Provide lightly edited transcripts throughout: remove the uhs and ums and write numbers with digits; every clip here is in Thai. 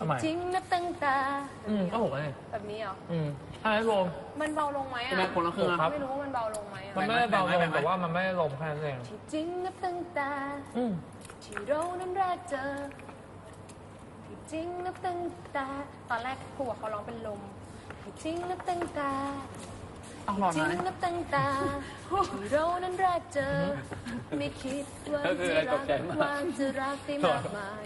จริงนะตั้งตาก็หกเลยแบบนี้เหรอใช่ไหมโรมมันเบาลงไหมอ่ะคนละครึ่งครับไม่รู้ว่ามันเบาลงไหมมันไม่ได้เบาลงแต่ว่ามันไม่ได้ลมแค่นั้นเองที่จริงนะตั้งตาที่เรานั้นแรกเจอที่จริงนะตั้งตาตอนแรกครูเขาร้องเป็นลมที่จริงนะตั้งตาจริงนับตั้งตาที่เรานั้นแรกเจอไม่คิดว่าจะรักว่าจะรักได้มากมาย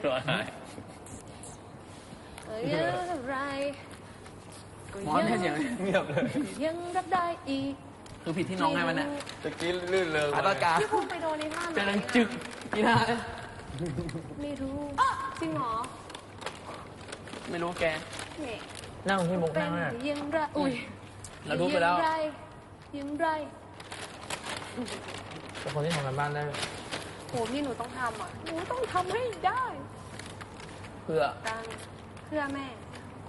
อะไรหมอนแค่เสียงเงียบเลยยังรักได้อีกคือผิดที่น้องไงมันเนี่ยตะกี้ลื่นเลยตากาที่พูดไปโดนในท่าเจริญจึกกีฬาไม่รู้จริงหรอไม่รู้แกนั่งที่มุกนั่งเนี่ยยังไรอุ้ยเราดูไปแล้วยังไรเป็นคนที่ทำงานบ้านได้โหพี่หนูต้องทำอ่ะหนูต้องทำให้ได้เพื่อแม่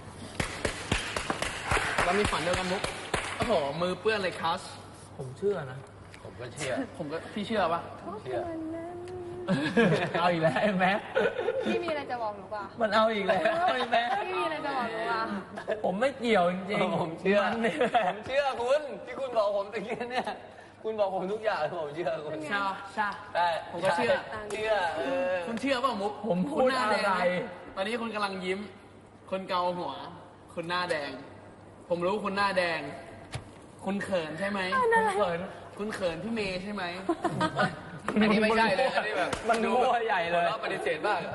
เรามีฝันเดียวกันมุกโอ้โหมือเปื้อนเลยคัสผมเชื่อนะผมก็เชื่อพี่เชื่อปะเชื่อเอาอีกแล้วไอ้แม็กพี่มีอะไรจะบอกหนูป่ะมันเอาอีกแล้วไอ้แม็กพี่มีอะไรจะบอกหนูป่ะผมไม่เกี่ยวจริงๆผมเชื่อคุณที่คุณบอกผมตะกี้เนี่ยคุณบอกผมทุกอย่างผมเชื่อคุณใช่ผมก็เชื่อคุณเชื่อป่ะมุกผมพูดอะไรตอนนี้คุณกำลังยิ้มคนเกาหัวคุณหน้าแดงผมรู้คุณหน้าแดงคุณเขินใช่ไหมคุณเขินพี่เมย์ใช่ไหมอันนี้ไม่ใช่เลยอันนี้แบบมันดูใหญ่เลยปฏิเสธบ้าง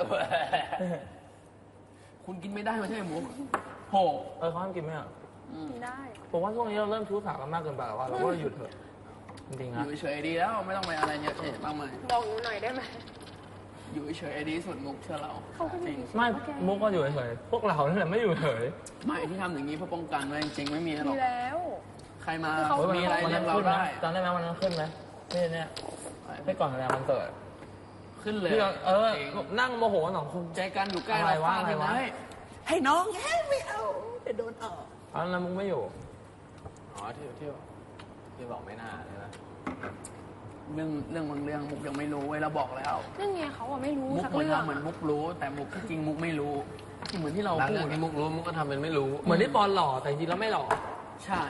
คุณกินไม่ได้ไม่ใช่หมูโหเขาห้ามกินไหมอ่ะกินได้ผมว่าช่วงนี้เราเริ่มชู้สาวกันมากเกินไปแล้วว่าเราก็หยุดเถอะจริงๆนะอยู่เฉยดีแล้วไม่ต้องไปอะไรเยอะมากมายบอกหนูหน่อยได้ไหมอยู่เฉยดีสุดมุกเชื่อเราจริงไม่มุกก็อยู่เฉยพวกเราเนี่ยแหละไม่อยู่เฉยไม่ที่ทำอย่างนี้เพื่อป้องกันไว้จริงไม่มีหรอกแล้วใครมามีอะไรเรียกเราได้ตอนได้ไหมวันนั้นขึ้นไหมเนี่ยให้ก่อนอะไรมันเกิดขึ้นเลยนั่งโมโหหนองคุณใจกันอยู่ใกล้เราอะไรวะให้น้องไม่เอาจะโดนออกตอนนั้นมุกไม่อยู่ที่บอกไม่น่าใช่ไหมเรื่องบางเรื่องมุกยังไม่รู้เว้ยเราบอกแล้วเรื่องไงเขาอะไม่รู้มุกเหมือนเหมือนมุกรู้แต่มุกจริงมุกไม่รู้เหมือนที่เราพูดที่มุกรู้มุกก็ทำเป็นไม่รู้เหมือนที่บอลหล่อแต่จริงแล้วไม่หล่อใช่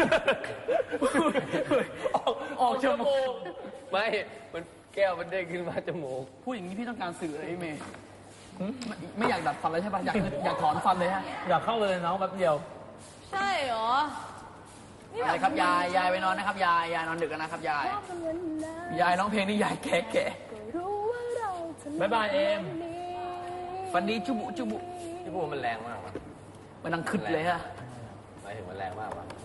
ออกจมูกไม่มันแก้วมันเด้งขึ้นมาจมูกพูดอย่างนี้พี่ต้องการสื่ออะไรเมย์ไม่อยากดัดฟันเลยใช่ป่ะอยากถอนฟันเลยฮะอยากเข้าเลยน้องแป๊บเดียวใช่เหรออะไรครับยายไปนอนนะครับยายนอนดึกกันนะครับยายร้องเพลงนี่ยายแก่บายบายเอ็มฟันดีจุบุที่พูดมันแรงมากมันดังขึ้นเลยฮะหมายถึงมันแรงมากวะ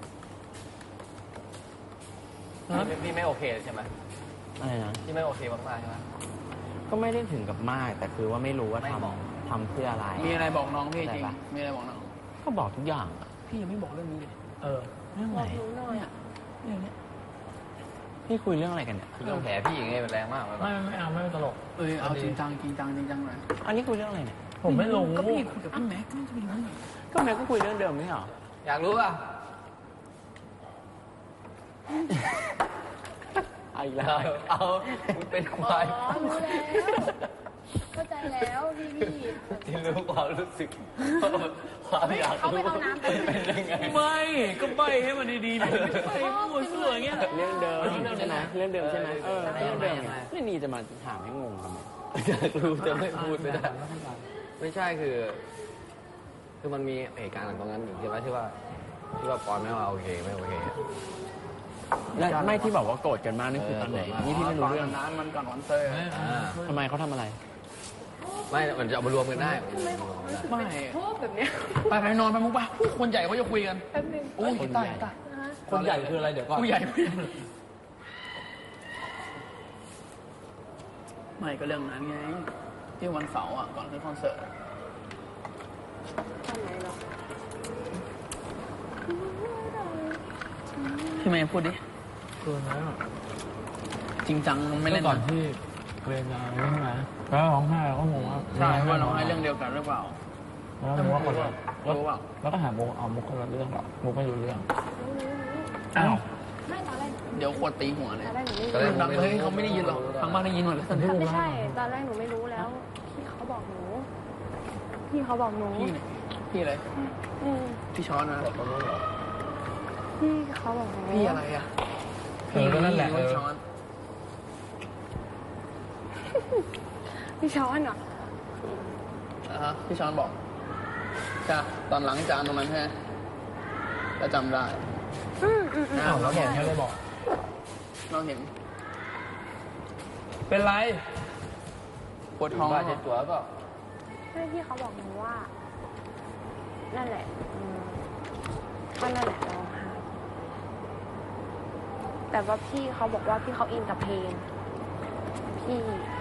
พี่ไม่โอเคใช่ไหมอะไรนะที่ไม่โอเคมากๆใช่ไหมก็ไม่ได้ถึงกับมากแต่คือว่าไม่รู้ว่าทำเพื่ออะไรมีอะไรบอกน้องพี่จริงมีอะไรบอกน้องก็บอกทุกอย่างพี่ยังไม่บอกเรื่องนี้เลยเรื่องอะไรเรื่องนี้พี่คุยเรื่องอะไรกันเนี่ยเรื่องแผลพี่อย่างเงี้ยมันแรงมากไม่เอาไม่ตลกเอาจริงจังเลยอันนี้คุยเรื่องอะไรเนี่ยผมไม่รู้ก็พี่คุยกับพี่แม็กก็จะไปรู้ก็แม็กก็คุยเรื่องเดิมไม่เหรออยากรู้ป่ะเอาอีกแล้วเอาเป็นควายรู้แล้วเข้าใจแล้วพี่ที่รู้ความรู้สึกความอยากรู้เป็นยังไงไม่ก็ไม่ให้มันดีๆเลยไม่พูดเสื่ออย่างเงี้ยเรื่องเดิมใช่ไหมเรื่องเดิมใช่ไหมเรื่องเดิมไม่นี่จะมาถามให้งงทำไมอยากรู้จะไม่พูดไม่ได้ไม่ใช่คือมันมีเหตุการณ์ตรงนั้นอยู่ใช่ไหมที่ว่าปอนไม่ว่าโอเคไม่โอเคและไม่ที่บอกว่าโกรธกันมากนี่คือตอนไหนนี่พี่ไม่รู้เรื่องนั้นมันก่อนวันเซอร์ทำไมเขาทำอะไรไม่มันจะเอามารวมกันได้ไม่แบบเนี้ยไปนอนไปมุกป่ะคนใหญ่เขาจะคุยกันโอ้ยตายคนใหญ่คืออะไรเดี๋ยวก่อนผู้ใหญ่ไม่ก็เรื่องนั้นไงที่วันเสาร์อ่ะก่อนขึ้นคอนเสิร์ตพี่เมย์พูดดิคือนะจริงจังไม่เล่นก่อนที่เรียนมาใช่ไหมแล้วร้องไห้ก็งงว่าใช่ว่าร้องไห้เรื่องเดียวกันหรือเปล่าแล้วมุกคนแล้วก็หามุกเอามุกคนละเรื่องหรอมุกไม่รู้เรื่องอ้าวไม่ตอนแรกเดี๋ยวขวดตีหัวเลยตอนแรกดังเลยเขาไม่ได้ยินหรอกทางบ้านได้ยินหมดเลยไม่ใช่ตอนแรกหนูไม่รู้แล้วพี่เขาบอกหนูพี่เขาบอกหนูพี่อะไรอืมพี่ช้อนนะพี่เขาบอกหนูพี่อะไรอ่ะก็นั่นแหละพี่ช้อนพี่ช้อนเหรอพี่ช้อนบอกจ้ะตอนหลังจานตรงนั้นแค่จะจำได้อ้าวแล้วบอกแค่เลยบอกเราเห็นเป็นไรปวดท้องบ้าเจ็บตัวก็ใช่พี่เขาบอกหนูว่า นั่นแหละก็นั่นแหละร้องไห้แต่ว่าพี่เขาบอกว่าพี่เขาอินกับเพลงพี่อิน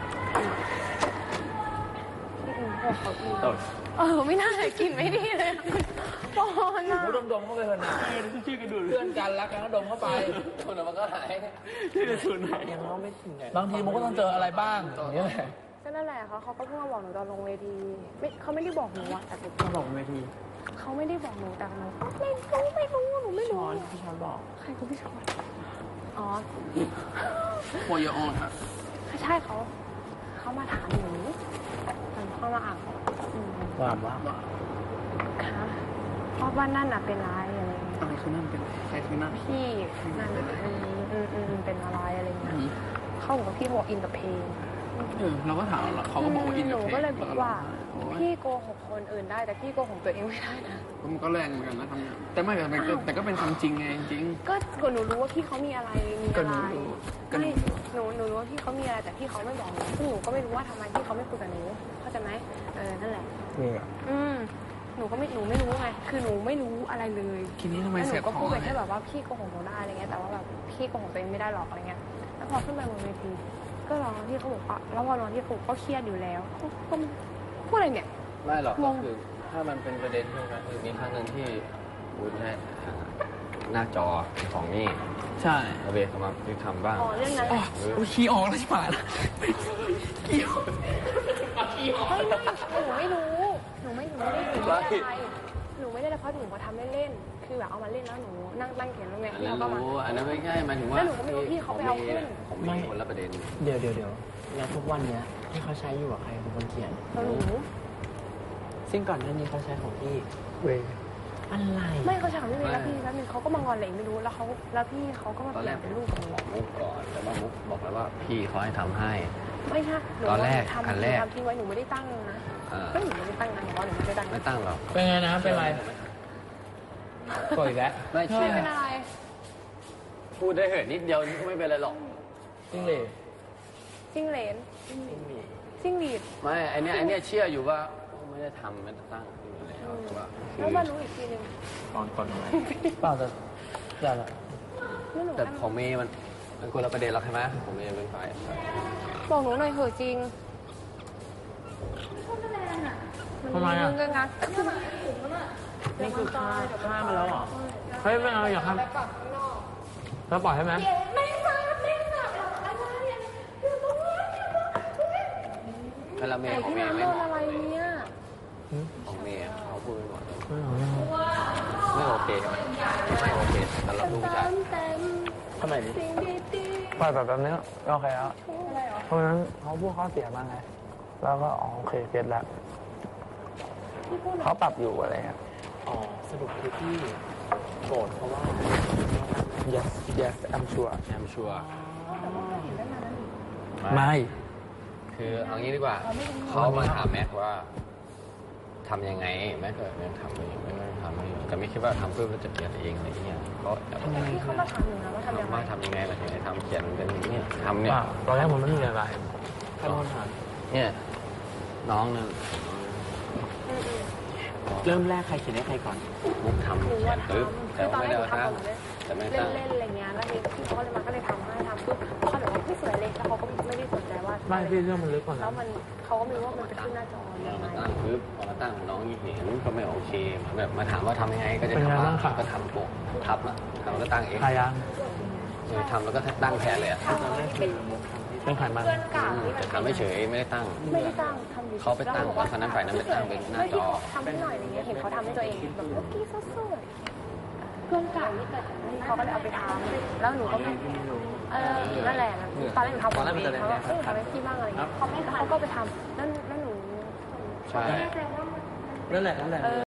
พวกเขาอินไม่น่าจะกินไม่ดีเลยปอนอะมุกดมเข้าไปเถอะนะชื่อกระดูเพื่อนกันรักกันก็ดมเข้าไปคนมันก็หายชื่อศูนย์ไหนยังเราไม่ถึงไหนบางทีมุกก็ต้องเจออะไรบ้างอย่างเงี้ยแหละก็นั่นแหละเขาก็เพิ่งมาบอกหนูตอนลงเวทีเขาไม่ได้บอกหนูอะแต่หนูเขาบอกเวทีเขาไม่ได้บอกหนูแต่หนูไม่รู้หนูไม่รู้พี่ช้อนบอกใครคือพี่ชอนอ๋อโวยออนครับใช่เขามาถามหนูตอนเข้ามาอ่านอืมว่าคะเพราะว่านั่นอะเป็นไรอะไรเงี้ยอะไรคือนั่นเป็นใครคือนั่นพี่นั่นเป็นอะไรอะไรเงี้ยเขาบอกว่าพี่บอกอินกับเพลงเราก็ถามเขาก็บอกว่าอินหกับนูเพลงก็เลยบอกว่าโอ้ยพี่โกหกคนอื่นได้แต่พี่โกหกตัวเองไม่ได้นะมันก็แรงเหมือนกันนะทำงานแต่ไม่แต่ก็เป็นความจริงไงจริงก็หนูรู้ว่าพี่เขามีอะไรมีอะไรก็หนูรู้ไม่หนูรู้ว่าพี่เขามีอะไรแต่พี่เขาไม่บอกหนูซึ่งหนูก็ไม่รู้ว่าทำไมพี่เขาไม่คุยกับหนูเข้าใจไหมนั่นแหละนี่อ่ะหนูไม่รู้ไงคือหนูไม่รู้อะไรเลยทีนี้ทำไมแล้วหเสีนูยก็ขพูอดงไปแค่แบบว่าพี่โกหกหนูได้อะไรเงี้ยแต่ว่าแบบพี่โกหกตัวเองไม่ได้หรอกอะไรเงี้ยแล้วพอขึ้นไปบนเวทีก็ร้องพี่เขาบอกว่าแล้วพอร้องที่ครูก็เครียดอยู่แล้วก็พูดอะไรเนี่ยไม่หรอกงก็งคือถ้ามันเป็นประเด็นใช่ไหมคือมีครั้งหนึ่งที่วุ้นให้หน้าจอของนี่ใช่เอาเบสเขามาทำบ้างอ๋อเรื่องนั้นแหละโอ้ยขี้ออกแล้วใช่ไหมล่ะขี้ออกไม่หนูไม่ได้อะไรหนูไม่ได้อะไรเพราะหนูมาทำเล่นๆคือแบบเอามาเล่นแล้วหนูนั่งเขียนแล้วไงอันพี่นั้นเขาก็มารู้อันนั้นไม่ใช่หมายถึงว่าแล้วหนูก็ไม่รู้พี่เขาไปเอาขึ้นผมมีคนละประเด็นเดี๋ยวแล้วทุกวันเนี้ยที่เขาใช้อยู่อะใครเป็นคนเขียนแล้วหนูซึ่งก่อนหน้านี้เขาใช้ของพี่เว้ยอะไรไม่เขาถามพี่เมย์แล้วพี่แป๊บนึงเขาก็มางอนอะไรไม่รู้แล้วพี่เขาก็มาตอนเปแรลี่ยกนเป็นลูกกับหนูบอกมุกก่อนแต่ว่ามุกบอกแล้วว่าพี่เขาให้ทำให้ไม่ใช่หนูตอนแรกทำอันแรกทำทิ้งไว้หนูไม่ได้ตั้งนะอ่าก็หนูไม่ได้ตั้งนะหนูว่าหนูไม่ได้ตั้งไม่ตั้งหรอกเป็นไงนะเป็นไรกดอีกแล้วไม่พี่เชื่อเป็นอะไรพูดได้เหอะนิดเดียวก็ไม่เป็นไรหรอกจริงเลยจิ้งเหลนจิ้งหรีดไม่ไอเนี้ยเชื่ออยู่ว่าไม่ได้ทำไม่ได้ตั้งอยู่แล้วแต่ว่าคือแล้วมารู้อีกทีหนึงก่อนอะไรเปล่าแต่ละแล้วหนูแต่ของเมย์มันคนละประเด็นหรอกใช่ไหมของเมย์เป็นฝ่ายบอกหนูหน่อยเถอะจริงทำไมอ่ะเงินงานนี่คือฆ่ามาแล้วเหรอเฮ้ยไม่เอาอย่าทำแล้วปล่อยให้ไหมไม่ทราบอะไรอยู่ตรงนี้เวลาเมไอ้ย์ของที่เมย์น้ำไม่โดเหนมาะอะไรเนี่ยของเมย์เขาพูดไม่เหมาะไม่เอาไม่เอาไม่โอเคไม่โอเคสำหรับลูกผู้ชายเต็มทำไมดิสิ่งดีปล่อยแบบนี้ก็โอเคแล้วๆอะไรเหรอเพราะฉะนั้นเขาพูดข้อเสียมาไงแล้วก็อ๋อโอเคเก็ตแล้วพี่พูดหน่อยเขาปรับอยู่อะไรเงี้ยอ๋อสรุปคือพี่โกรธเพราะว่า yes I'm sure แอมชัวร์แต่ว่าก็เห็นได้มาแล้วนี่ไม่คือเอางี้ดีกว่า เขามาถามแม็กว่าทำยังไงแม็กก็ยังทำไม่ทำไม่แต่ไม่คิดว่าทำเพื่อจะเปลี่ยนเองอะไรเงี้ยก็พี่เขามาถามหนูนะว่าทำยังไงว่าทำยังไงล่ะยังไงทำเขียนเป็นอย่างนี้ทำเนี่ยว่าตอนแรกผมไม่มีอะไรใครเป็นคนถามเนี่ยน้องนึงเริ่มแรกใครเขียนให้ใครก่อนมุกทำหนูเขียว่านปึ๊บทำแต่คือตอว่านแรไม่กได้หนูตั้งแต่ไม่ตั้งทำหมดเลยเล่นอะไรเงี้ยแล้วนี่พี่เขาเลยมาก็เลยทำให้ทำปุ๊บเขาบอกว่าพี่สวยเลยแล้วเขาก็ไม่ได้สนใจว่าไม่พี่เรื่องมันลึกกว่าแล้นั้วน มันเขาก็ไม่รู้ว่ามันเป็นขึ้นหน้าจอยังไงมาตั้งปึ๊บพอมาตั้งน้องเห็นก็ไม่โอเคแบบมาถามว่าทำยังไงก็จะทำว่าก็ทำโปะทับอ่ะทำแล้วก็ตั้งเองพายังทำแล้วก็ตั้งแทนเลยอ่ะตอนแรกคือมุกทำให้เป็นไขมันเพื่อนเก่าที่แต่ทำไม่เฉยไม่ได้ตั้งไม่ได้ตั้งทำอยู่เขาไปตั้งว่าคนนั้นฝ่ายนั้นไปตั้งเป็นหน้าจอทำให้หน่อยอะไรเงี้ยเห็นเขาทำให้ตัวเองแบบเมื่อกี้สดๆเพื่อนเก่าที่เกิดเขาก็เลยเอาไปทำแล้วหนูก็ไม่นั่นแหละตอนแรกหนูทำของเองเขาก็ทำให้พี่บ้างอะไรเงี้ยเขาก็ไปทำแล้วหนูใช่ไม่แน่ใจว่านั่นแหละ